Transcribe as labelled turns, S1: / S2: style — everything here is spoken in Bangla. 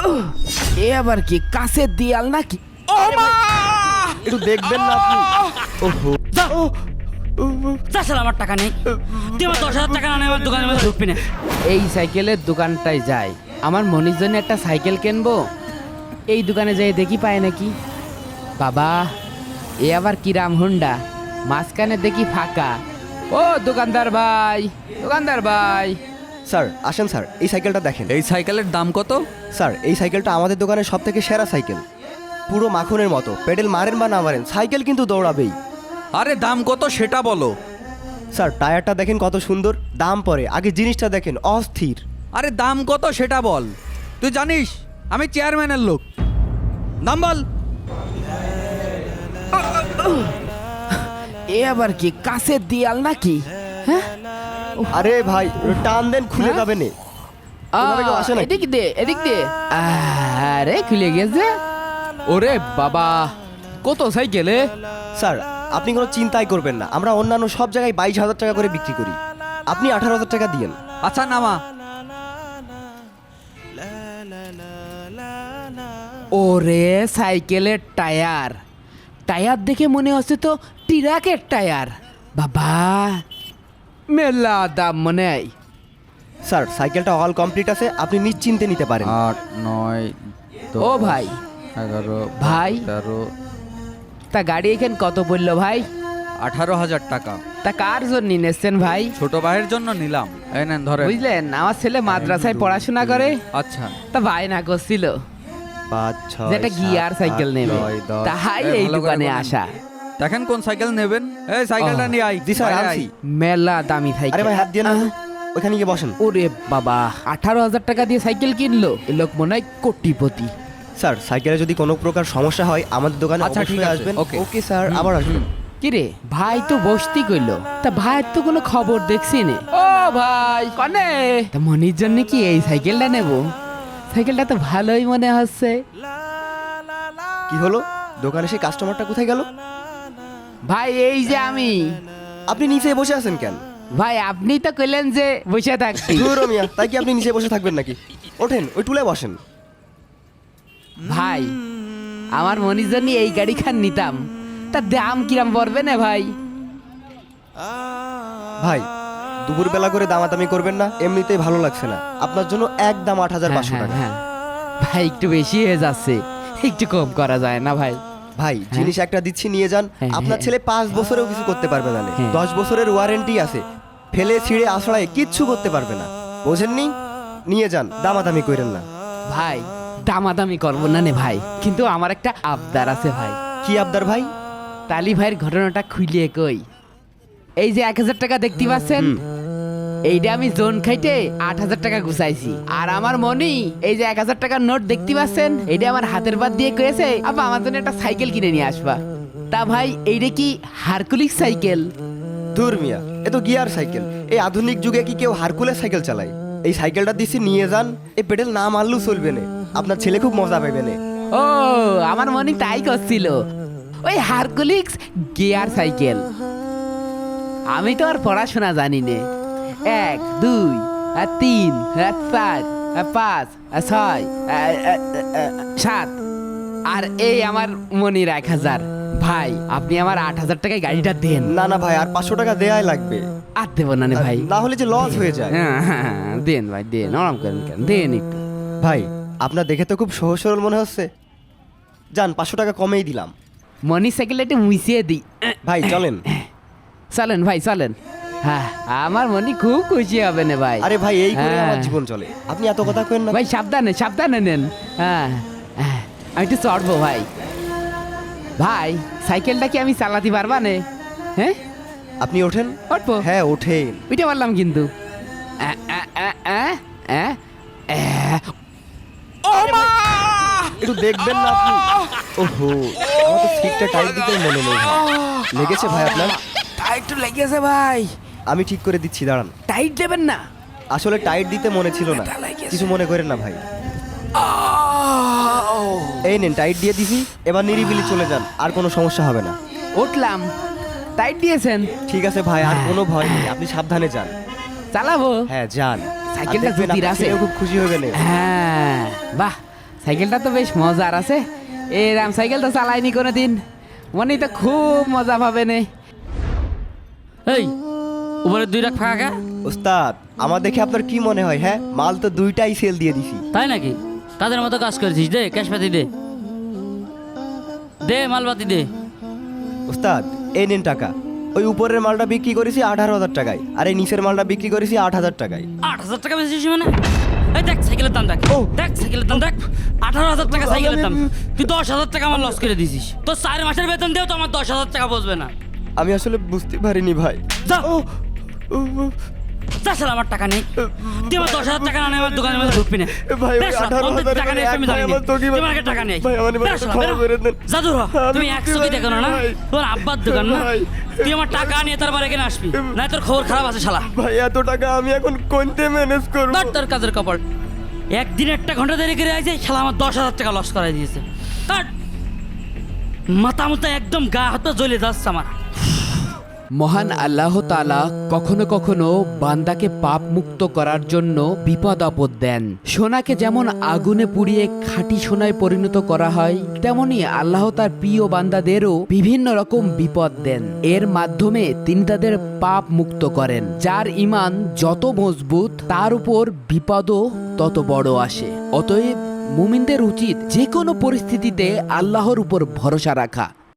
S1: এ আবার কি কাছের দেয়াল নাকি? ও মা!
S2: একটু দেখবেন না আপনি? ওহো,
S3: তাছাড়া আমার টাকা নেই, তুই আমার 10,000 টাকা না নিয়ে আমার দোকানের মধ্যে ঢুকবি না।
S1: এই সাইকেলের দোকানটায় যাই, আমার মনির জন্য একটা সাইকেল কিনবো। এই দোকানে যাই দেখি পায় নাকি। বাবা, এ আবার কিরাম হুন্ডা, মাঝখানে দেখি ফাঁকা। ও দোকানদার ভাই, দোকানদার ভাই।
S2: স্যার আসেন স্যার, এই সাইকেলটা দেখেন।
S4: এই সাইকেলের দাম কত?
S2: স্যার এই সাইকেলটা আমাদের দোকানের সব থেকে সেরা সাইকেল, পুরো মাখনের মতো। পেডেল মারেন বা না মারেন, সাইকেল কিন্তু দৌড়াবেই।
S4: আরে দাম কত সেটা বলো।
S2: স্যার টায়ারটা দেখেন কত সুন্দর, দাম পরে, আগে জিনিসটা দেখেন অস্থির।
S4: আরে দাম কত সেটা বল। তুই জানিস আমি চেয়ারম্যানের লোক, দাম বল।
S1: এ আবার কি কাছের দেয়াল নাকি? হ্যাঁ,
S2: আরে ভাই টান দেন, খুলে
S1: হ্যাঁ?
S2: যাবে না। ওভাবে কেউ আসে নাকি?
S1: এদিক দে, এদিক দে। আরে খুলে গেছে। ওরে বাবা, কত সাইকেলে?
S2: স্যার আপনি কোনো চিন্তাই করবেন না, আমরা অন্যান্য সব জায়গায় 22,000 টাকা করে বিক্রি করি, আপনি 18,000 টাকা দিয়েন।
S4: আচ্ছা নামা।
S1: ওরে সাইকেলের টায়ার, টায়ার দেখে মনে হচ্ছে তো ট্রাকের টায়ার। বাবা, মেলা দাম মনে হয়।
S2: স্যার সাইকেলটা অল কমপ্লিট আছে, আপনি নিশ্চিন্তে নিতে পারেন।
S4: 8, 9,
S1: ও ভাই,
S4: 11,
S1: ভাই।
S4: 13,
S1: তা গাড়ি এখানে কত পড়লো ভাই?
S4: 18,000 টাকা।
S1: তা কার জন্য নিয়েছেন ভাই?
S4: ছোট ভাইয়ের জন্য নিলাম, এই নেন ধরে।
S1: বুঝলেন, আমার ছেলে মাদ্রাসায় পড়াশোনা করে,
S4: আচ্ছা
S1: তা ভাই না করছিল
S2: 5, 6,
S1: যেটা গিয়ার সাইকেল নেবে,
S2: 9, 10।
S1: তাই
S4: এই
S1: এই
S4: ভালো করে
S1: দোকানে
S4: বলেন।
S1: আসা।
S4: দেখেন কোন সাইকেল নেবেন। এই সাইকেলটা
S1: ও,
S4: নিয়ে আই।
S2: জি স্যার
S4: বাইরে
S2: আনছি।
S4: আই।
S1: মেলা দামি সাইকেল।
S2: আরে ভাই হাত দিয়ে না, ওখানে গিয়ে বসেন।
S1: ওরে বাবা, 18,000 টাকা দিয়ে সাইকেল কিনলো, এ লোক মনে হয় কোটিপতি।
S2: স্যার সাইকেলে যদি কোনো প্রকার সমস্যা হয় আমাদের দোকানে
S4: আচ্ছা, ঠিক
S2: অবশ্যই
S4: আছে,
S2: আসবেন।
S4: ওকে।
S2: ওকে স্যার, আবার আসবেন।
S1: কিরে ভাই তো বসতি কইলো, তা ভাইয়ের তো কোনো খবর দেখছি নে। ও ভাই কনে, তা মনির জন্য কি এই সাইকেলটা নেব? সাইকেলটা তো ভালোই মনে হচ্ছে।
S2: কি হলো, দোকানে সেই কাস্টমারটা কোথায় গেল?
S1: ভাই এই যে আমি।
S2: আপনি নিচে বসে আছেন কেন?
S1: ভাই আপনি তো কইলেন যে বসে থাকছি।
S2: ধুর মিয়া, তাই কি আপনি নিচে বসে থাকবেন নাকি? ওঠেন, ওই টুলে বসেন।
S1: ভাই আমার মনির জন্য এই গাড়ি খান নিতাম, তা দাম কিরাম পড়বে না ভাই?
S2: ভাই দুপুরবেলা করে দামাদামি করবেন না, এমনিতেই ভালো লাগছে না। আপনার জন্য একদম 8,500 টাকা।
S1: হ্যাঁ, ভাই একটু বেশি হয়ে যাচ্ছে, একটু কম করা যায় না ভাই?
S2: ভাই জিনিস একটা দিচ্ছি, নিয়ে যান।
S1: হ্যাঁ,
S2: আপনার
S1: হ্যাঁ।
S2: ছেলে 5 বছরেও কিছু করতে পারবে না,
S1: হ্যাঁ।
S2: 10 বছরের ওয়ারেন্টি আছে, ফেলে ছিঁড়ে আছড়ায় কিচ্ছু করতে পারবে না। বোঝেননি? নিয়ে যান, দামাদামি করেন না।
S1: ভাই দামাদামি করবো না নে ভাই, কিন্তু আমার একটা আবদার আছে ভাই।
S2: কি আবদার ভাই?
S1: তালি ভাইয়ের ঘটনাটা খুলিয়ে কই। এই যে 1,000 টাকা দেখতে পাচ্ছেন, এইটা আমি জোন খাইতে 8,000 টাকা গুছাইছি। আর আমার মনি এই যে 1,000 টাকার নোট দেখতে পাচ্ছেন, এইটা আমার হাতের বাদ দিয়ে কয়েছে আপা আমার জন্য একটা সাইকেল কিনে নিয়ে আসবা। তা ভাই এইটা কি হারকুলিস সাইকেল?
S2: দূর মিয়া, এ তো গিয়ার সাইকেল। এই আধুনিক যুগে কি কেউ হারকুলেস সাইকেল চালায়? এই সাইকেলটা দিচ্ছি, নিয়ে যান। এই পেডেল না মারলেও চলবে না, আপনার ছেলে খুব মজা পাবে না।
S1: ও আমার মনি তাই করছিল, ওই হারকুলিস গিয়ার সাইকেল। আমি তো আর পড়াশোনা জানি নে। 1, 2, 3, 4, 5, 6, 7 আর এই আমার মনির 1,000। ভাই আপনি আমার 8,000 টাকায় গাড়িটা দেন।
S2: না না ভাই, আর 500 টাকা দেয়াই লাগবে,
S1: আর দেবো না নে ভাই।
S2: না হলে যে লস হয়ে যায়।
S1: হ্যাঁ, দেন ভাই দেন, আরাম করেন কেন, দেন একটু।
S2: ভাই আপনার দেখে তো খুব সহজ সরল মনে হচ্ছে, যান 500 টাকা কমেই দিলাম।
S1: মনির সাইকেলটা একটু মুছিয়ে দিই।
S2: ভাই চলেন।
S1: চলেন ভাই চলেন। হ্যাঁ আমার মনি খুব খুশি হবে না ভাই।
S2: আরে ভাই এই করে আমার
S1: হ্যাঁ।
S2: জীবন চলে, আপনি এত কথা কেন না।
S1: ভাই সাবধানে সাবধানে নেন। হ্যাঁ, আমি একটু চড়বো ভাই। ভাই সাইকেলটা কি আমি চালাতে পারবা নে? হ্যাঁ
S2: আপনি ওঠেন।
S1: উঠবো?
S2: হ্যাঁ ওঠেন।
S1: উঠে পারলাম কিন্তু। ও মা!
S2: একটু দেখবেন না আপনি? ওহো, আমার তো সিটটা টাইট দিতে মনে নেই ভাই। লেগেছে ভাই আপনার?
S1: টাইট তো লেগেছে ভাই।
S2: আমি ঠিক করে দিচ্ছি, দাঁড়ান।
S1: টাইট দেবেন না?
S2: আসলে টাইট দিতে মনে ছিল না,
S1: ব্যথা লেগেছে।
S2: কিছু মনে করেন না ভাই। এই নেন, টাইট দিয়ে দিছি, এবার নিরিবিলি চলে যান, আর কোনো সমস্যা হবে না।
S1: উঠলাম, টাইট দিয়েছেন?
S2: ঠিক আছে ভাই, আর কোনো ভয় নেই, আপনি সাবধানে যান।
S1: চালাবো?
S2: হ্যাঁ যান।
S1: সাইকেলটা
S2: আর দেখবেন
S1: জুতির
S2: আপনার
S1: আছে।
S2: ছেলেও খুব খুশি হবে না।
S1: হ্যাঁ বাহ, সাইকেলটা তো বেশ মজার আছে। এরাম সাইকেল তো চালাইনি কোনোদিন, মনে তো খুব মজা পাবে নে।
S3: এই উপরে 2 লাখ ফাঁকা।
S2: ওস্তাদ আমার দেখে আপনার কি মনে হয়? হ্যাঁ, মাল তো 2টাই সেল দিয়ে দিছি।
S3: তাই নাকি? কাদের মতো কাজ করেছিস? দে ক্যাশ পাতি দে, দে মালপাতি দে।
S2: ওস্তাদ এই নিন টাকা। ওই উপরের মালটা বিক্রি করেছি 18,000 টাকায়, আর এই নিচের মালটা বিক্রি করেছি 8,000 টাকায়।
S3: 8,000 টাকা বেশি মানে? এই দেখ সাইকেলের দাম দেখ,
S2: ও।
S3: দেখ সাইকেলের দাম দেখ, 18,000 টাকা সাইকেলের দাম। তুই 10,000 টাকা আমার লস করে দিছিস। তোর 4 মাসের বেতন দিয়েও তো আমার 10,000 টাকা বসবে না।
S2: আমি আসলে বুঝতে পারিনি ভাই।
S3: যা যা শালা, আমার টাকা নেই। তুই আমার 10,000 টাকা না নিয়ে আমার দোকানের মধ্যে ঢুকবি না।
S2: ভাই, ওই
S3: বেশ, শালা,
S2: 18,000
S3: অন্তত টাকা নেই, আমি
S2: ভাই,
S3: জানি না।
S2: আমার চোখে
S3: তুই আমার কাছে টাকা নেই।
S2: ভাই, আমার এবার
S3: বেশ, শালা,
S2: ক্ষমা
S3: বেরো।
S2: করে দেন।
S3: যা দূর হ। তুমি
S2: আমি
S3: 100 কি দেখো না?
S2: ভাই।
S3: তোর আব্বার দোকান না?
S2: ভাই।
S3: তুই আমার টাকা নিয়ে তারপর এখানে আসবি, না তোর খবর খারাপ আছে শালা।
S2: ভাই এত টাকা আমি এখন কোনতে ম্যানেজ করব?
S3: ধর তোর কাজের কপাল। একদিন একটা ঘন্টা দেরি করে আছে, শালা আমার 10,000 টাকা লস করাই দিয়েছে। ধর। মাথা মুথা একদম গা হাত পা জ্বলে যাচ্ছে আমার।
S1: মহান আল্লাহ তাআলা কখনো কখনো বান্দাকে পাপ মুক্ত করার জন্য বিপদ আপদ দেন। সোনাকে যেমন আগুনে পুড়িয়ে খাঁটি সোনায় পরিণত করা হয়, তেমনি আল্লাহ তার প্রিয় বান্দাদেরও বিভিন্ন রকম বিপদ দেন। এর মাধ্যমে তিনি তাদের পাপ মুক্ত করেন। যার ঈমান যত মজবুত তার উপর বিপদও তত বড় আসে। অতএব মুমিনদের উচিত যে কোনো পরিস্থিতিতে আল্লাহর উপর ভরসা রাখা।